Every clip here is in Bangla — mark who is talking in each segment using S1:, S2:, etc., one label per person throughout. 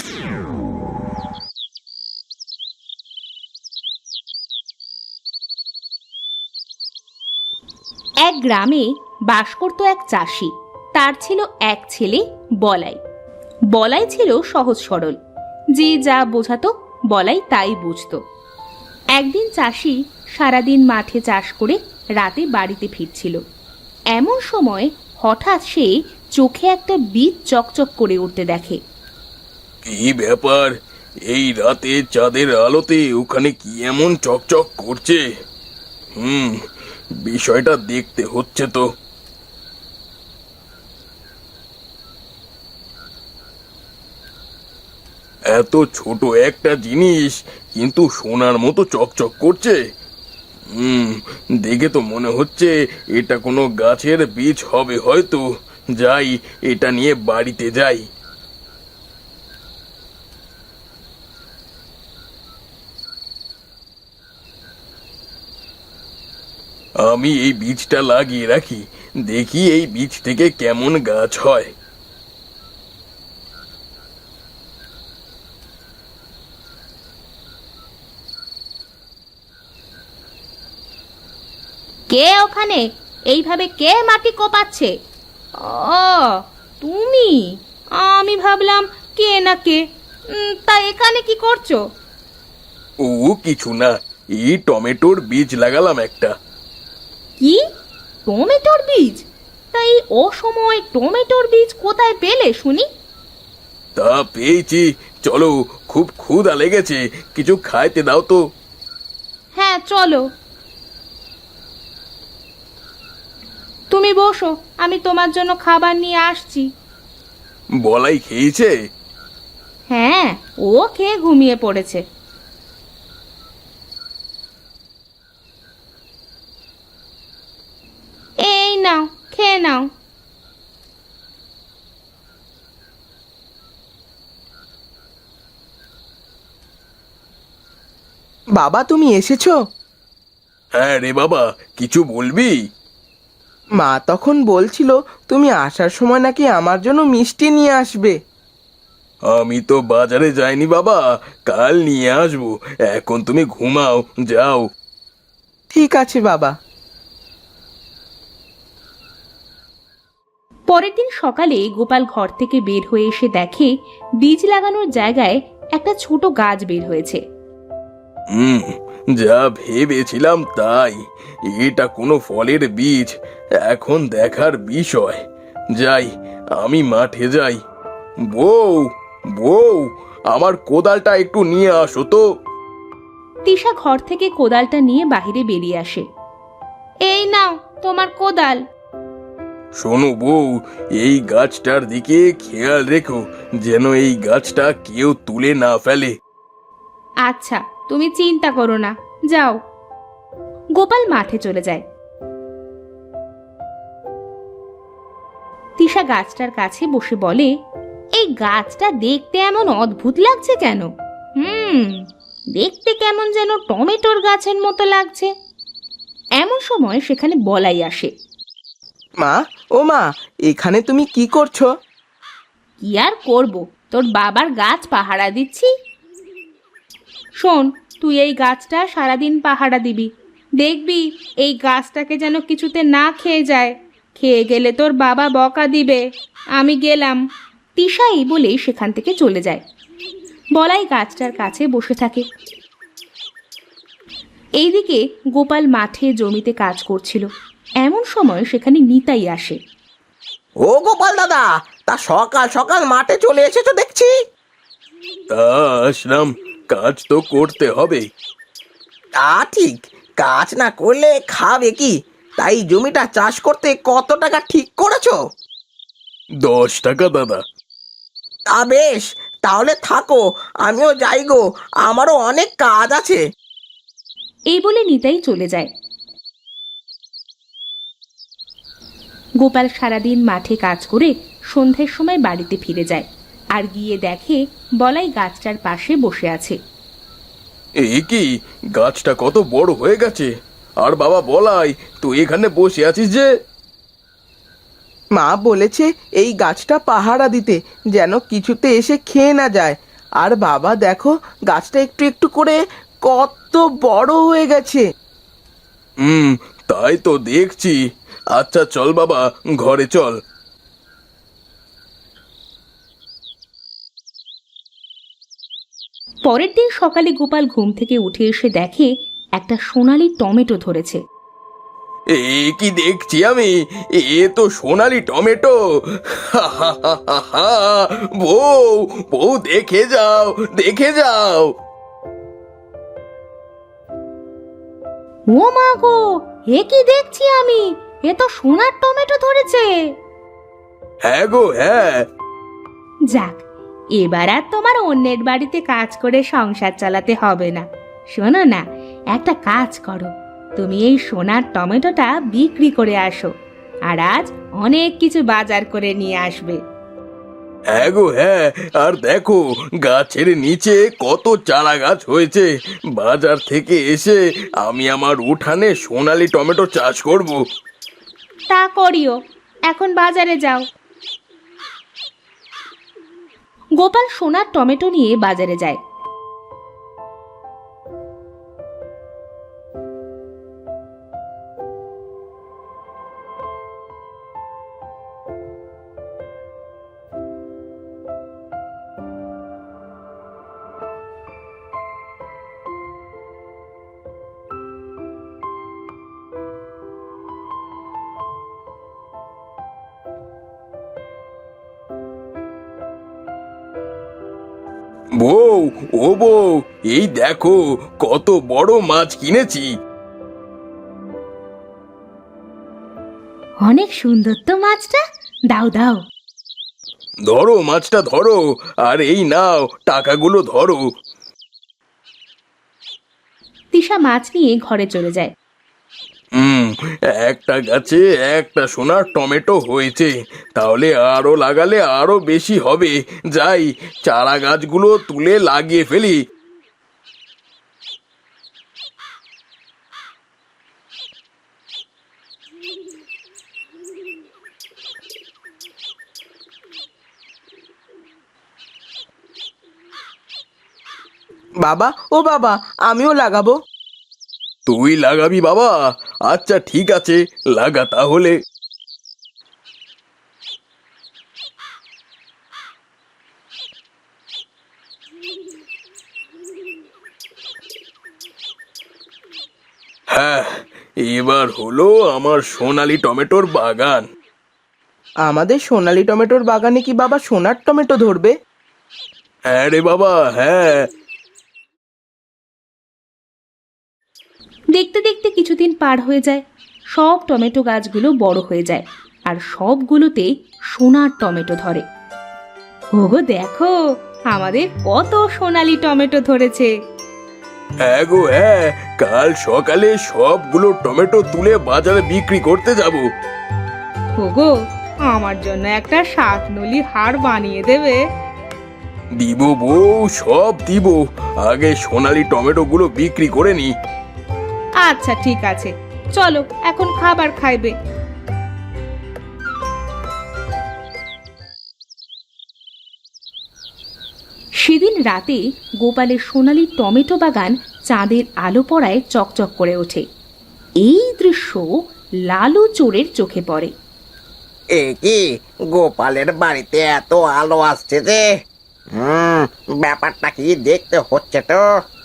S1: এক গ্রামে বাস করত এক চাষি। তার ছিল এক ছেলে বলাই। বলাই ছিল সহজ সরল, যে যা বোঝাতো বলাই তাই বুঝতো। একদিন চাষি সারাদিন মাঠে চাষ করে রাতে বাড়িতে ফিরছিল। এমন সময় হঠাৎ সে চোখে একটা বীজ চকচক করে উঠতে দেখে।
S2: কি ব্যাপার, এই রাতে চাঁদের আলোতে ওখানে কি এমন চকচক করছে? বিষয়টা দেখতে হচ্ছে তো। এত ছোট একটা জিনিস কিন্তু সোনার মতো চকচক করছে। দেখে তো মনে হচ্ছে এটা কোনো গাছের বীজ হবে হয়তো। যাই, এটা নিয়ে বাড়িতে যাই। আমি এই বীজটা লাগিয়ে রাখি, দেখি এই বীজ থেকে কেমন গাছ হয়।
S1: কে ওখানে? এইভাবে কে মাটি কোপাচ্ছে? ও তুমি? আমি ভাবলাম কে না কে। তা এখানে কি করছো?
S2: ও কিছু না, এই টমেটোর বীজ লাগালাম একটা।
S1: কি? টমেটোর বীজ? তাই অসময় টমেটোর বীজ কোথায় পেলে শুনি?
S2: তা পেয়েছি, চলো, খুব ক্ষুধা লেগেছে, কিছু খাইতে দাও তো।
S1: হ্যাঁ চলো। তুমি বসো, আমি তোমার জন্য খাবার নিয়ে আসছি।
S2: বলাই খেয়েছে?
S1: হ্যাঁ, ও খেয়ে ঘুমিয়ে পড়েছে। এই নাও, খেয়ে নাও।
S3: বাবা, তুমি এসেছো?
S2: হ্যাঁ রে বাবা, কিছু বলবি?
S3: মা তখন বলছিল তুমি আসার সময় নাকি আমার জন্য মিষ্টি নিয়ে আসবে।
S2: আমি তো বাজারে যাইনি বাবা, কাল নিয়ে আসবো। এখন তুমি ঘুমাও, যাও।
S3: ঠিক আছে বাবা।
S1: পরের দিন সকালে গোপাল ঘর থেকে বের হয়ে এসে দেখে বীজ লাগানোর জায়গায় একটা ছোট গাছ বের হয়েছে।
S2: যা ভেবেছিলাম তাই, এটা কোনো ফলের বীজ। এখন দেখার বিষয়। যাই, আমি মাঠে যাই। বউ, বউ, আমার কোদালটা একটু নিয়ে আসো তো।
S1: তিশা ঘর থেকে কোদালটা নিয়ে বাইরে বেরিয়ে আসে। এই নাও তোমার কোদাল।
S2: শোনো বউ, এই গাছটার দিকে খেয়াল রেখো, যেন এই গাছটা কেউ তুলে না ফেলে।
S1: আচ্ছা, তুমি চিন্তা করো না, যাও। গোপাল মাঠে চলে যায়। তিশা গাছটার কাছে বসে বলে, এই গাছটা দেখতে এমন অদ্ভুত লাগছে কেন? দেখতে কেমন যেন টমেটোর গাছের মতো লাগছে। এমন সময় সেখানে বলাই আসে।
S3: মা, ও মা, এখানে তুমি কি করছো?
S1: কি আর করব, তোর বাবার গাছ পাহারা দিচ্ছি। শোন, তুই এই গাছটা সারাদিন পাহারা দিবি। দেখবি এই গাছটাকে যেন কিছুতে না খেয়ে যায়। খেয়ে গেলে তোর বাবা বকা দিবে। আমি গেলাম। তিশাই বলে সেখান থেকে চলে যায়। বলাই গাছটার কাছে বসে থাকে। এইদিকে গোপাল মাঠে জমিতে কাজ করছিল। এমন সময় সেখানে নিতাই আসে।
S4: ও গোপাল দাদা, তা সকাল সকাল মাঠে চলে এসেছো দেখছি।
S2: তা আসলাম, কাজ তো করতে হবে।
S4: তা ঠিক, কাজ না করলে খাবে কি? তাই জমিটা চাষ করতে কত টাকা ঠিক করেছো?
S2: 10 টাকা দাদা।
S4: তা বেশ, তাহলে থাকো, আমিও যাই গো, আমারও অনেক কাজ আছে।
S1: এই বলে নিতাই চলে যায়। গোপাল সারাদিন মাঠে কাজ করে সন্ধ্যের সময় বাড়িতে ফিরে যায়। আর গিয়ে দেখে বলাই গাছটার পাশে বসে আছে।
S2: এই কি, গাছটা কত বড় হয়ে গেছে! আর বাবা বলাই, তুই এখানে বসে আছিস যে?
S3: মা বলেছে এই গাছটা পাহারা দিতে, যেন কিছুতে এসে খেয়ে না যায়। আর বাবা দেখো, গাছটা একটু একটু করে কত বড় হয়ে গেছে।
S2: তাই তো দেখছি। আচ্ছা চল বাবা, ঘরে চল।
S1: পরের দিন সকালে গোপাল ঘুম থেকে উঠে এসে দেখে একটা সোনালী টমেটো ধরেছে।
S2: এ কি দেখছি আমি? এ তো সোনালি টমেটো। হা হা হা হা হা। বউ, বউ দেখে যাও, দেখে যাও।
S1: ও মা গো, এ কি দেখছি আমি? এ তো সোনার টমেটো ধরেছে।
S2: হ্যাঁ গো, হ্যাঁ।
S1: যাক, এবার আর তোমার অন্যের বাড়িতে কাজ করে সংসার চালাতে হবে না। শোনো না, একটা কাজ করো, তুমি এই সোনার টমেটোটা বিক্রি করে আসো, আর আজ অনেক কিছু বাজার করে নিয়ে আসবে।
S2: হ্যাঁ গো, হ্যাঁ। আর দেখো, গাছের নিচে কত চারা গাছ হয়েছে। বাজার থেকে এসে আমি আমার উঠানে সোনালি টমেটো চাষ করব।
S1: তা করিও, এখন বাজারে যাও। গোপাল সোনার টমেটো নিয়ে বাজারে যায়।
S2: বউ, ও বউ, এই দেখো কত বড় মাছ কিনেছি।
S1: অনেক সুন্দর তো মাছটা, দাও দাও।
S2: ধরো মাছটা, ধরো। আর এই নাও, টাকাগুলো ধরো।
S1: তিশা মাছ নিয়ে ঘরে চলে যায়।
S2: হুম, একটা গাছে একটা সোনার টমেটো হয়েছে, তাহলে আরো লাগালে আরো বেশি হবে। যাই, চারা গাছগুলো তুলে লাগিয়ে ফেলি।
S3: বাবা, ও বাবা, আমিও লাগাবো।
S2: তুই লাগাবি বাবা? আচ্ছা ঠিক আছে, লাগা তাহলে। হ্যাঁ, এবার হলো আমার সোনালি টমেটোর বাগান।
S3: আমাদের সোনালী টমেটোর বাগানে কি বাবা সোনার টমেটো ধরবে?
S2: হ্যাঁ রে বাবা, হ্যাঁ।
S1: দেখতে দেখতে কিছুদিন পার হয়ে যায়। সব টমেটো গাছগুলো বড় হয়ে যায়, আর সবগুলোতে সোনার টমেটো ধরে। ওগো দেখো, আমাদের কত সোনালী টমেটো ধরেছে।
S2: হ্যাঁ গো, হ্যাঁ। কাল সকালে সবগুলো টমেটো তুলে বাজারে বিক্রি করতে যাব।
S1: ওগো, আমার জন্য একটা শাকনলি হার বানিয়ে দেবে?
S2: দিব বউ, সব দিব। আগে সোনালি টমেটো গুলো বিক্রি করে নি।
S1: আচ্ছা ঠিক আছে, চলো এখন খাবার খাইবে। সেদিন রাতে গোপালের সোনালী টমেটো বাগান চাঁদের আলো পড়ায় চকচক করে ওঠে। এই দৃশ্য লালু চোরের চোখে পড়ে।
S4: এ কি, গোপালের বাড়িতে এত আলো আসছে যে? ব্যাপারটা কি দেখতে হচ্ছে তো।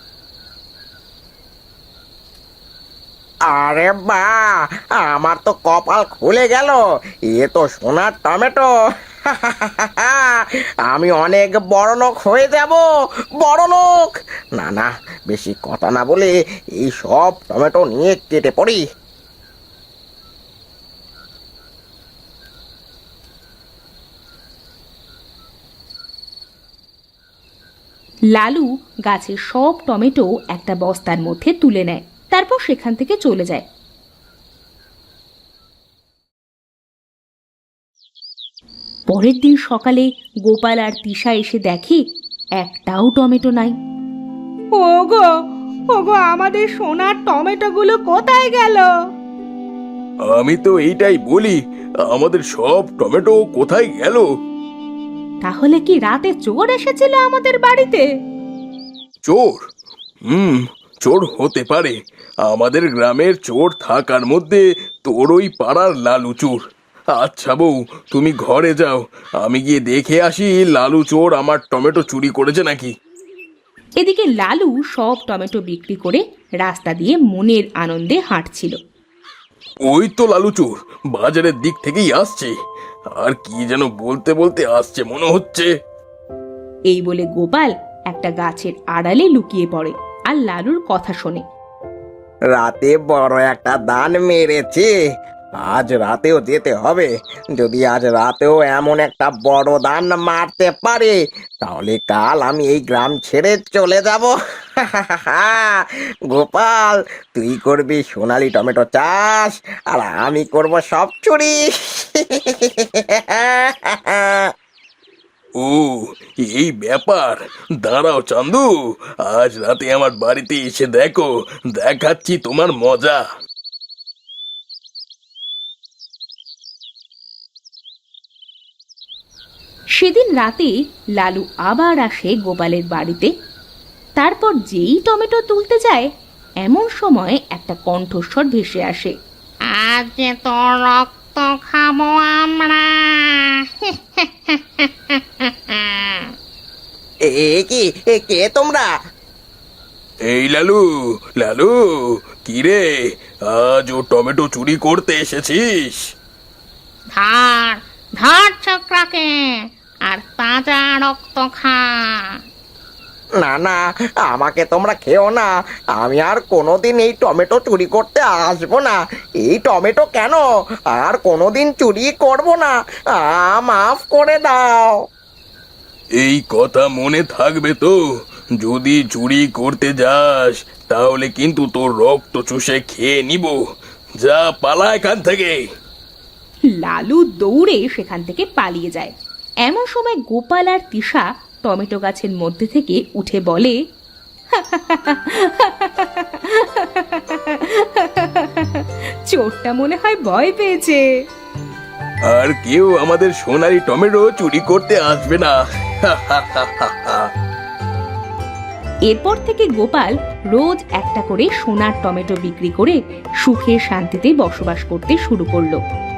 S4: আরে বা, আমার তো কপাল খুলে গেল। এ তো সোনার টমেটো। আমি অনেক বড় লোক হয়ে যাব, বড় লোক। না না, বেশি কথা না বলে এই সব টমেটো নিয়ে কেটে পড়ি।
S1: লালু গাছের সব টমেটো একটা বস্তার মধ্যে তুলে নেয়, তারপর সেখান থেকে চলে যায়। পরের দিন সকালে গোপাল আর তিশা এসে দেখে একটাও টমেটো নাই। ওগো, ওগো, আমাদের সোনার টমেটোগুলো কোথায় গেল?
S2: আমি তো এইটাই বলি, আমাদের সব টমেটো কোথায় গেল?
S1: তাহলে কি রাতে চোর এসেছিল আমাদের বাড়িতে?
S2: চোর? চোর হতে পারে। আমাদের গ্রামের চোর থাকার মধ্যে তোর ওই পাড়ার লালু চোর। আচ্ছা বউ, তুমি ঘরে যাও, আমি গিয়ে দেখে আসি লালু চোর আমার টমেটো চুরি করেছে নাকি।
S1: এদিকে লালু সব টমেটো বিক্রি করে রাস্তা দিয়ে মনের আনন্দে হাঁটছিল।
S2: ওই তো লালু চোর বাজারের দিক থেকেই আসছে, আর কি যেন বলতে বলতে আসছে মনে হচ্ছে।
S1: এই বলে গোপাল একটা গাছের আড়ালে লুকিয়ে পড়ে আর লালুর কথা শোনে।
S4: রাতে বড় একটা দান মেরেছে, আজ রাতেও যেতে হবে। যদি আজ রাতেও এমন একটা বড় দান মারতে পারে, তাহলে কাল আমি এই গ্রাম ছেড়ে চলে যাব। গোপাল, তুই করবি সোনালি টমেটো চাষ, আর আমি করব সব চুরি।
S2: ও, এই ব্যাপার। দাঁড়াও চান্দু, আজ রাতে আমার বাড়িতে এসে দেখো, দেখাচ্ছি তোমার মজা।
S1: সেদিন রাতে লালু আবার আসে গোপালের বাড়িতে। তারপর যেই টমেটো তুলতে যায়, এমন সময় একটা কণ্ঠস্বর ভেসে আসে।
S5: আজ যে তোর রক্ত খাবো আমরা।
S4: কে তোমরা?
S2: এই লালু, লালু, কি রে, আজ ও টমেটো চুরি করতে এসেছিস?
S5: ধর ধর ছোকরাকে, আর তাজা রক্ত খা।
S4: না না, আমাকে তোমরা খেও না। আমি আর কোনোদিন এই টমেটো চুরি করতে আসবো না। এই টমেটো কেন, আর কোনোদিন চুরি করব না। মাফ করে দাও।
S2: এই কথা মনে থাকবে তো, যদি চুরি করতে যাস তাহলে কিন্তু তোর রক্ত চুষে খেয়ে নিব। যা, পালা এখান থেকে।
S1: লালু দৌড়ে সেখান থেকে পালিয়ে যায়। এমন সময় গোপাল আর তিশা টমেটো গাছের মধ্যে থেকে উঠে বলে, চোরটা মনে হয় ভয় পেয়েছে।
S2: আর কেউ আমাদের সোনালি টমেটো চুরি করতে আসবে না।
S1: এরপর থেকে গোপাল রোজ একটা করে সোনার টমেটো বিক্রি করে সুখে শান্তিতে বসবাস করতে শুরু করলো।